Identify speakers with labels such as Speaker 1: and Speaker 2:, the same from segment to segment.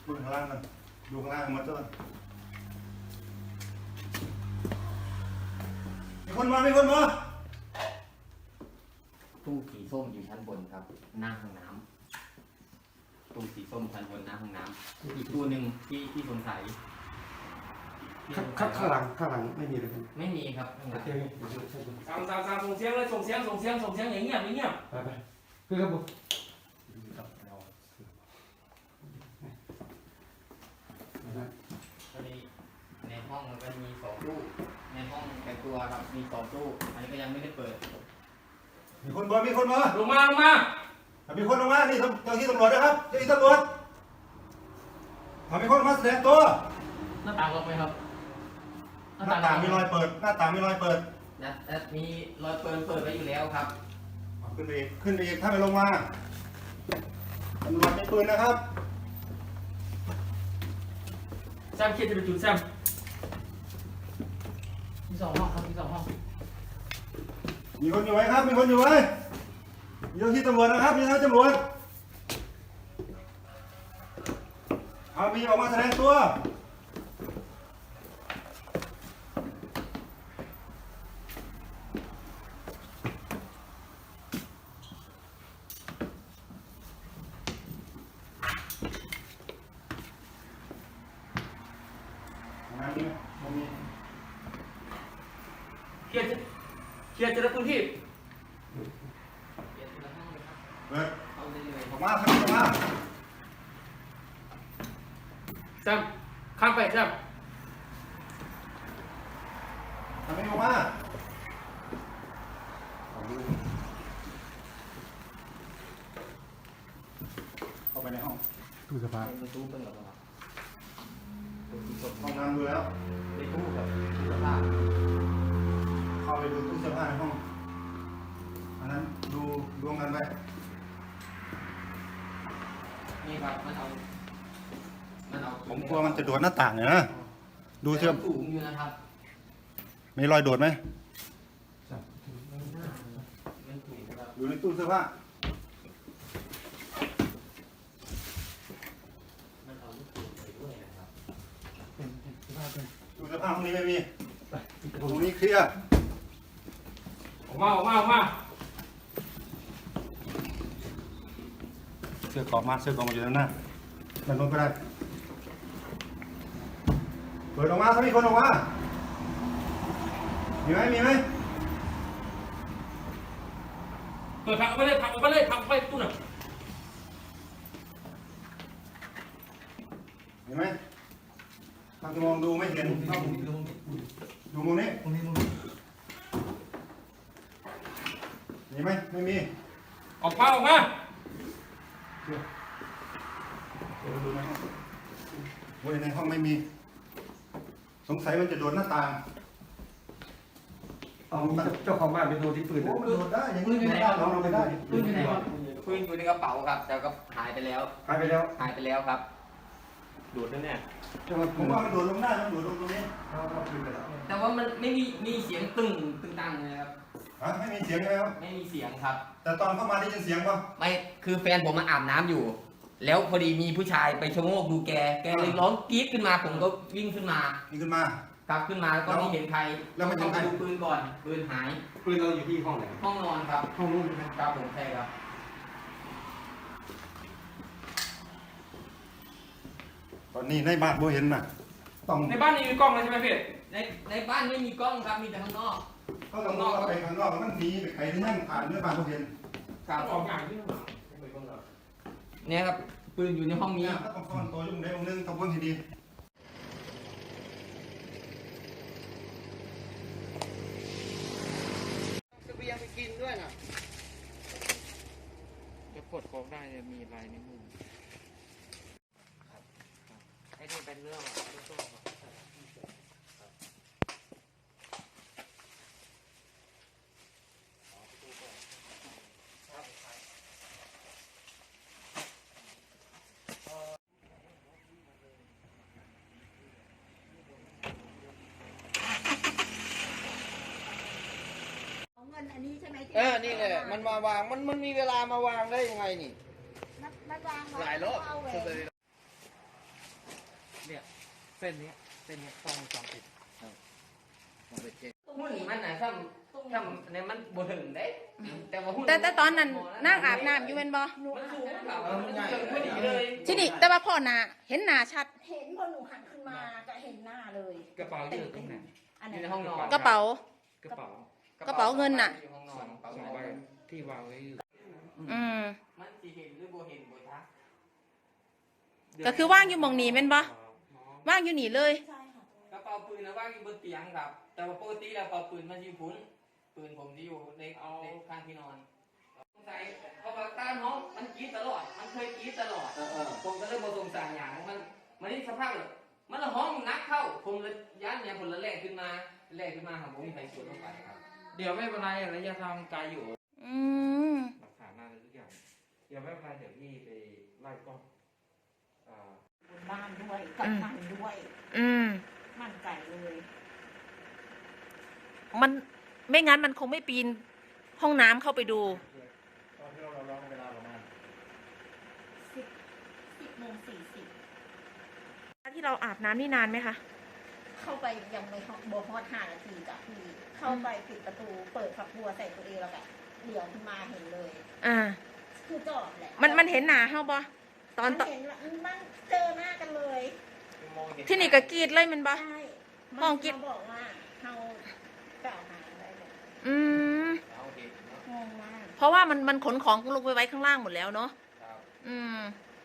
Speaker 1: ดูข้างล่างกันดูข้างล่างมาต้นมีคนมา
Speaker 2: ตู้สีส้มอยู่ชั้นบนครับหน้าห้องน้ำตู้สีส้มชั้นบนหน้าห้องน้ำอีกตู้หนึ่งที่สงสัย
Speaker 3: ข้างหลังไม่มีเลย
Speaker 2: ไม่มีครับข้างหลัง
Speaker 4: ส่งเสียงเลยส่งเสียงอย่างเงียบ
Speaker 3: ไปคือครับผม
Speaker 2: ในห้องมันก็มี2 ตู้ในห้องแต่งตัวครับมี2 ตู้อันนี้ก็ยังไม่ได้เปิด
Speaker 1: มีคนมา
Speaker 4: ลงมา
Speaker 1: มีคนลงมานี่เจ้าที่ตำรวจนะครับเจ้าที่ตำรวจมีคนมาแสดงตัว
Speaker 2: หน้าต่างล็อกไหมครับ
Speaker 1: หน้าต่างมีรอยเปิดหน้าต่างมีรอยเปิด
Speaker 2: มีรอยเปิดไว้อยู่แล้วครับ
Speaker 1: ขึ้นไปอีกถ้าไม่ลงมาตำรวจมีปืนนะครับ
Speaker 4: แซมเครียดจะไปจุดแซม
Speaker 2: มี2 ห้องครับมี2 ห้อง
Speaker 1: มีคนอยู่ไหมครับมีคนอยู่ไหมมีเจ้าที่ตำรวจนะครับมีเจ้าที่ตำรวจมีออกมาแสดงตัว
Speaker 4: เคลียร์จะได้พื้นที่
Speaker 1: ออกมาครับออกมา
Speaker 4: แซมข้ามไปแซม
Speaker 1: ทำไมออกมาเข้าไปในห้อง
Speaker 3: ตู้เสื้อผ้า
Speaker 2: ตู้เป็นแบบว่า
Speaker 1: ห้องน้ำดูแล้ว
Speaker 2: ในตู้กับตู้เสื้อผ้า
Speaker 1: เข้าไปดูตู้เสื้อผ้าในห้องอันนั้นดูรวมกันไป
Speaker 2: นี่ครับมันเอา
Speaker 1: ผมกลัวมันจะโดดหน้าต่างเนี่ยนะดูเสื้อ
Speaker 2: สูงอยู่นะครับ
Speaker 1: มีรอยโดดไหมอยู่ในตู้เสื้อผ้าตู้เสื้อผ้าห้องนี้ไม่มีห้องนี้เคลียร์
Speaker 4: ออกมา
Speaker 1: เสื้อกอกมาอยู่ด้านหน้าด้านโน้นก็ได้เปิดออกมาถ้ามีคนออกมามีไหม
Speaker 4: เปิดผักออกไปตู้น่ะ
Speaker 1: เห็นไหมทางจะมองดูไม่เห็นดูมุมนี้มีไหมไม่มี
Speaker 4: ออกมา
Speaker 1: ดูในห้องโอ้ยในห้องไม่มีสงสัยมันจะโดนหน้าต่าง
Speaker 3: เอาเจ้าของบ้านไปโดนที่ปืน
Speaker 1: โอ้มันโดนได้อย่างนี้ไม่ได้เราไม่ได้
Speaker 2: ปืนอยู่ไหนครับปืนอยู่ในกระเป๋าครับแต่ก็หายไปแล้วครับ
Speaker 4: ดูดแน่
Speaker 1: ผมว่ามันโดดลงได้มันโดดลงตรงนี้
Speaker 2: แต่ว่ามันไม่มีเสียงตึงตังเลยครับ
Speaker 1: ไม่มีเสียงเลยครับ
Speaker 2: ไม่มีเสียงครับ
Speaker 1: แต่ตอนเข้ามาได้ยินเสียงป่ะ
Speaker 2: ไม่คือแฟนผมมาอาบน้ำอยู่แล้วพอดีมีผู้ชายไปชะโงกดูแกเลยร้องกรี๊ดขึ้นมาผมก็วิ่งขึ้นมาครับขึ้นมาแล้วก็ไม่เห็นใคร
Speaker 1: แล้วมัน
Speaker 2: ต้องไปดูปืนก่อนปืนหาย
Speaker 3: ปืนเราอยู่ที่ห้องไหน
Speaker 2: ห้องนอนครับ
Speaker 3: ห้องนู้น
Speaker 2: ครับผมใช่ครับ
Speaker 1: ตอนนี้ในบ้านโบเห็นน่ะ
Speaker 4: ในบ้านนี่มีกล้องเลยใช่ไหมพี่
Speaker 2: ในบ้านไม่มีกล้องครับมีแต่ข้างนอก
Speaker 1: ข้างนอกไปข้างนอกมันหนีไปใครที่นั่งผ่านเนื้อบ้านโบเห็น
Speaker 4: ครับออกอย่างที่หลัง
Speaker 2: เนี่ยครับปืนอยู่ในห้องนี้
Speaker 1: ต้องซ่อนตัวยุ่งได้องนึงต้องเพิ่งให้ดี
Speaker 5: จะเบียงไปกินด้วยน่ะ
Speaker 2: จะกดโค้งได้จะมีลายนิ้วมือไอ้นี่เป็นเรื่อง
Speaker 5: นี่แหละมันมาวางมันมีเวลามาวางได้ยังไงนี่
Speaker 6: มันวาง
Speaker 5: หลายรอบ
Speaker 4: เส้นนี้กล้องวงจรปิด
Speaker 2: หุ้นมันน่ะถ้าในมันบ่ถึงเด้แต่ว่าหุ้น
Speaker 6: แต่ตอนนั้นนั่งอาบน้ำอยู่เป็นบ่
Speaker 2: มันสูงครับมันเกินพอดีเลย
Speaker 6: ที่นี่แต่ว่าพ่อหน้าเห็นหน้าชัด
Speaker 7: เห็นพอหนูหันขึ้นมาก็เห็นหน้าเลย
Speaker 4: กระเป๋าอยู่ตรงไหน
Speaker 7: อัน
Speaker 2: อ
Speaker 7: ไหน
Speaker 2: ยู่ในห้องนอน
Speaker 6: กระเป๋า
Speaker 4: กระเป๋าก
Speaker 6: ระเป๋าเงินน่ะ
Speaker 2: อยู่ห้องนอนกระ
Speaker 4: สอง
Speaker 2: เป๋า
Speaker 4: ใบ
Speaker 2: เงิน
Speaker 4: ที่วางไว้อยู่
Speaker 6: อืม
Speaker 2: มันสิเห็นหรือบ่เห็นบ่ทัก
Speaker 6: ก็คือว่างอยู่หม่องนี้แม่นบ่ว่างอยู่นี่เลย
Speaker 7: ใช่ค่ะ
Speaker 2: กระเป๋าปืนนะว่างอยู่บนเตียงครับ แต่ว่าปกติแล้วกระเป๋าปืนมันอยู่พุ้นปืนผมที่อยู่ในข้างที่นอนสงสัยเพราะว่าตาน้องมันกรีดตลอด มันเคยกรีดตลอดผมก็เลยบ่สงสัยอย่างมันนี่สภาพเลยมันละห้องนักเข้าผมเลยย้านเนี่ยผมละแลกขึ้นมาครับผมมีไฟสวนลงไปครับ
Speaker 4: เดี๋ยวไม่เป็นไรระยะทางไกลอยู่
Speaker 6: อืม
Speaker 4: หลักฐานมาเลยทุกอย่างเดี๋ยวไม่เป็นไรเดี๋ยวพี่ไปไล่กล้อง
Speaker 7: บนบ้านด้วยกับมันด้วย
Speaker 6: อืม
Speaker 7: มั่นใจเลย
Speaker 6: มันไม่งั้นมันคงไม่ปีนห้องน้ำเข้าไปดู
Speaker 1: ตอนที่เราร้องเวลาประมาณ
Speaker 7: 10:40
Speaker 6: ที่เราอาบน้ำนี่นานไหมคะ
Speaker 7: เข้าไปยังไม่ฮอตโบฮอต5 นาทีจ้ะพี่เข้าไปปิดประตูเปิดฝักบัวใส่ตัวเองแล้วก็เหลียวขึ้นมาเห็นเลย
Speaker 6: อ่า
Speaker 7: คือจอดแหละ
Speaker 6: มันเห็นหนาเฮาบ่ตอน
Speaker 7: มันเห็นว่ามันเจอหน้ากันเลย
Speaker 6: ที่นี่ก็กรีดเลยมันบ่
Speaker 7: ใช่
Speaker 6: มองกิ๊บ
Speaker 7: เขาบอกว่าเขากล่าวหาอะไรเลย
Speaker 6: อืม
Speaker 2: เอาเห็นเนาะ
Speaker 7: งงมาก
Speaker 6: เพราะว่ามันขนของลงไปไว้ข้างล่างหมดแล้วเนาะ
Speaker 2: ครับ
Speaker 6: อืม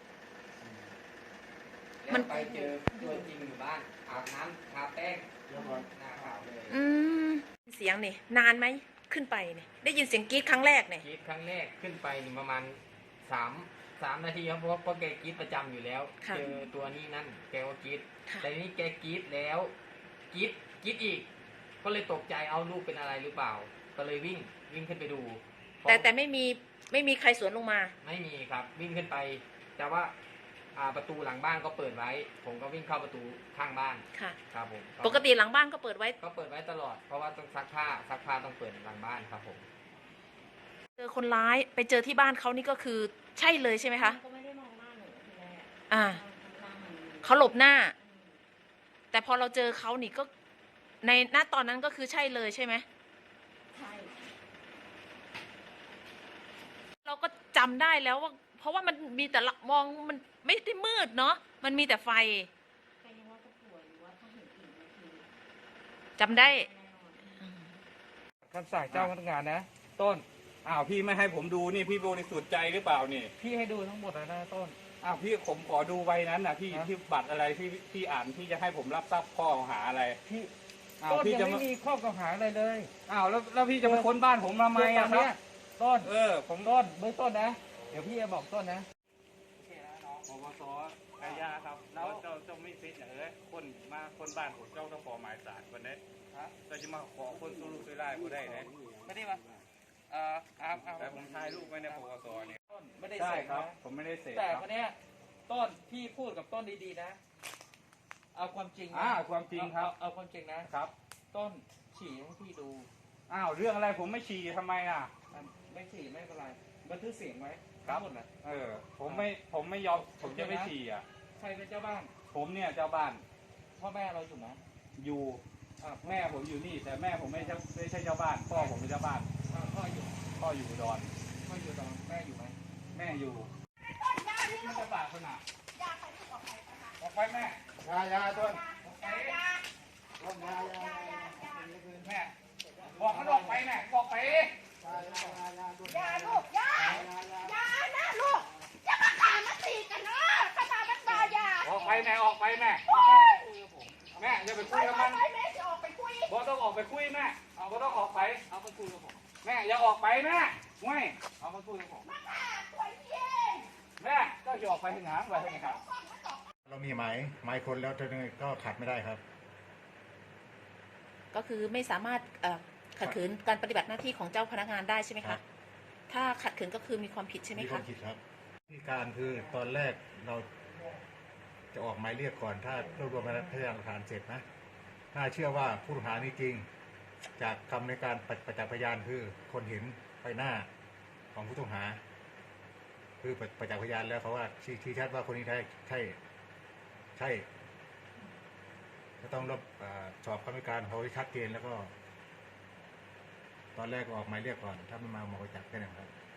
Speaker 2: แล้วไปเจอตัวจริงอยู่บ้านอาบน้ำทาแป้งหน้าขาวเลย
Speaker 6: อืม เสียงนี่นานไหมขึ้นไปนี่ได้ยินเสียงกรีดครั้งแรกเนี่ย
Speaker 2: กรีดครั้งแรกขึ้นไปนี่ประมาณ3 นาทีครับเพราะแกกรีดประจำอยู่แล้ว
Speaker 6: ค่ะ
Speaker 2: เจอตัวนี้นั่นแกก็กรีด
Speaker 6: ค่ะ
Speaker 2: แต่นี่แกกรีดแล้วกรีดอีก ก็เลยตกใจเอาลูกเป็นอะไรหรือเปล่า ก็เลยวิ่งขึ้นไปดู
Speaker 6: แต่ไม่มีใครสวนลงมา
Speaker 2: ไม่มีครับวิ่งขึ้นไป แต่ว่าประตูหลังบ้านก็เปิดไว้ ผมก็วิ่งเข้าประตูข้างบ้าน
Speaker 6: ค่ะ
Speaker 2: ครับผม
Speaker 6: ปกติหลังบ้านก็เปิดไว้
Speaker 2: ก็เปิดไว้ตลอด เพราะว่าต้องซักผ้าต้องเปิดหลังบ้านครับผม
Speaker 6: เจอคนร้ายไปเจอที่บ้านเขานี่ก็คือใช่เลยใช่ไหมคะ
Speaker 7: ก็ไม่ได้มองหน้าหนูทีแรก
Speaker 6: อ่า
Speaker 7: หน้ามัน
Speaker 6: เขาหลบหน้า แต่พอเราเจอเขานี่ก็ในณตอนนั้นก็คือใช่เลยใช่ไหม
Speaker 7: ใช่
Speaker 6: เราก็จำได้แล้วว่า เพราะว่ามันมีแต่ละมองมันไม่ได้มืดเนาะมันมีแต่ไฟ
Speaker 7: ใครยังว่าจะป่วยหรือว่าถ้าเห็นอีกนาที
Speaker 6: จำได้
Speaker 7: แน่นอน
Speaker 4: คำสั่งเจ้าพนักงานนะ ต้น
Speaker 8: อ้าวพี่ไม่ให้ผมดูนี่พี่บริสุทธิ์ใจหรือเปล่านี่
Speaker 4: พี่ให้ดูทั้งหมดแล้วนะต้น
Speaker 8: อ้าวพี่ผมขอดูใบนั้นนะพี่
Speaker 4: ฮะ
Speaker 8: ที่บัตรอะไรที่พี่อ่านที่จะให้ผมรับทราบข้อกล่าวหาอะไร
Speaker 4: พี่
Speaker 8: อ้าว
Speaker 4: ต้น
Speaker 8: พี่
Speaker 4: ยั
Speaker 8: จะ
Speaker 4: ง
Speaker 8: มา
Speaker 4: ไม่มีข้อกล่าวหาอะไรเลย
Speaker 8: อ้าวแล้วพี่จะมาค้นบ้านผมทำไมอะค
Speaker 4: เดี๋
Speaker 8: รั
Speaker 4: ยว
Speaker 8: บ
Speaker 4: ต้น
Speaker 8: ผม
Speaker 4: ต้นเบื้องต้นนะ เดี๋ยวพี่จะบอกต้นนะ
Speaker 8: ปปสอาญาครับแล้วเจ้าไม่ฟิตเหรอคนมาคนบ้านผมเจ้าต้องขอหมายศาลคนนี้เราจะมาขอคนสู้ลูกสู้ไล่ผมได้ไหม
Speaker 4: ไม่ได้มา
Speaker 8: แต่ผมถ่ายรูปไว้ในปปสเนี่ย
Speaker 4: ต้นไม่ได้
Speaker 8: ใช่
Speaker 4: เสพ
Speaker 8: ครับ
Speaker 4: นะ
Speaker 8: ผมไม่ได้เสพ
Speaker 4: แต่
Speaker 8: ครับ
Speaker 4: วันเนี้ยต้นพี่พูดกับต้นดีๆนะ เอาความจริงนะ
Speaker 8: ความจริงครับ
Speaker 4: เอาความจริงนะ
Speaker 8: ครับ
Speaker 4: ต้นฉี่ให้พี่ดู
Speaker 8: อ้าวเรื่องอะไรผมไม่ฉี่ทำไมอ่ะ
Speaker 4: ไม่ฉี่ไม่เป็นไรบันทึกเสียงไว้
Speaker 8: ครับ
Speaker 4: ทั้งหมดนะ
Speaker 8: ผมไม่ยอมผมจะไม่ฉี่อ่ะ
Speaker 4: ใครเป็นเจ้าบ้าน
Speaker 8: ผมเนี่ยเจ้าบ้าน
Speaker 4: พ่อแม่เราอยู่ไหม
Speaker 8: อยู่
Speaker 4: อ่า
Speaker 8: แม่ผมอยู่นี่ แต่แม่ผมไม่ใช่เจ้าบ้านพ่อผมเป็นเจ้าบ้าน
Speaker 4: พ่ออยู่
Speaker 8: พ่ออยู่อุดร
Speaker 4: พ่ออยู่ตอนแม่อยู่ไหม
Speaker 8: แม่อยู่มันจะบาดขนาดออกไปแม่
Speaker 1: ยาต้น
Speaker 8: ออกไปแม่บอกมันออกไปแม่บอกไป
Speaker 7: อย่าลูกอย่านะลูกอย่ามาขามาตีกันเนาะขนาดมันบาอย่า
Speaker 8: ออกไปแม่ออกไปแม่แม่อย่าไปคุยกับมัน
Speaker 7: ไปแม่จะออกไปคุย
Speaker 8: บอต้องออกไปคุยแม่บอต้องออกไป
Speaker 4: เอาไปคุยกับผม
Speaker 8: แม่อย่าออกไปแม่ไม่
Speaker 4: เอาไปคุยกับผม
Speaker 7: มาฆ่าตัวเอง
Speaker 8: แม่เจ้าจะออกไปทางไหนไปทางไหนครับ
Speaker 1: เรามีหมายคนแล้วก็ขัดไม่ได้ครับ
Speaker 6: ก็คือไม่สามารถขัดขืนการปฏิบัติหน้าที่ของเจ้าพนักงานได้ใช่ไหม
Speaker 1: ครั
Speaker 6: คะ
Speaker 1: บ
Speaker 6: ถ้าขัดขืนก็คือมีความผิดใช่ไหม
Speaker 1: มีควา
Speaker 6: คะ
Speaker 1: มผิดครับที่การคือตอนแรกเราจะออกหมายเรียกก่อน ถ้ารวบรวมพยานหลักฐานเสร็จนะ ถ้าเชื่อว่าผู้ต้องหานี่จริง จากคำในการประจักษ์พยานคือคนเห็นใบหน้าของผู้ต้องหา คือประจักษ์พยานแล้วเขาว่าชี้ชัดว่าคนนี้ใช่ต้องสอบคำให้การเขาให้ชัดเจนแล้วก็ ตอนแรกก็ออกหมายเรียกก่อน ถ้าไม่มาหมายจับแค่นั้นครับ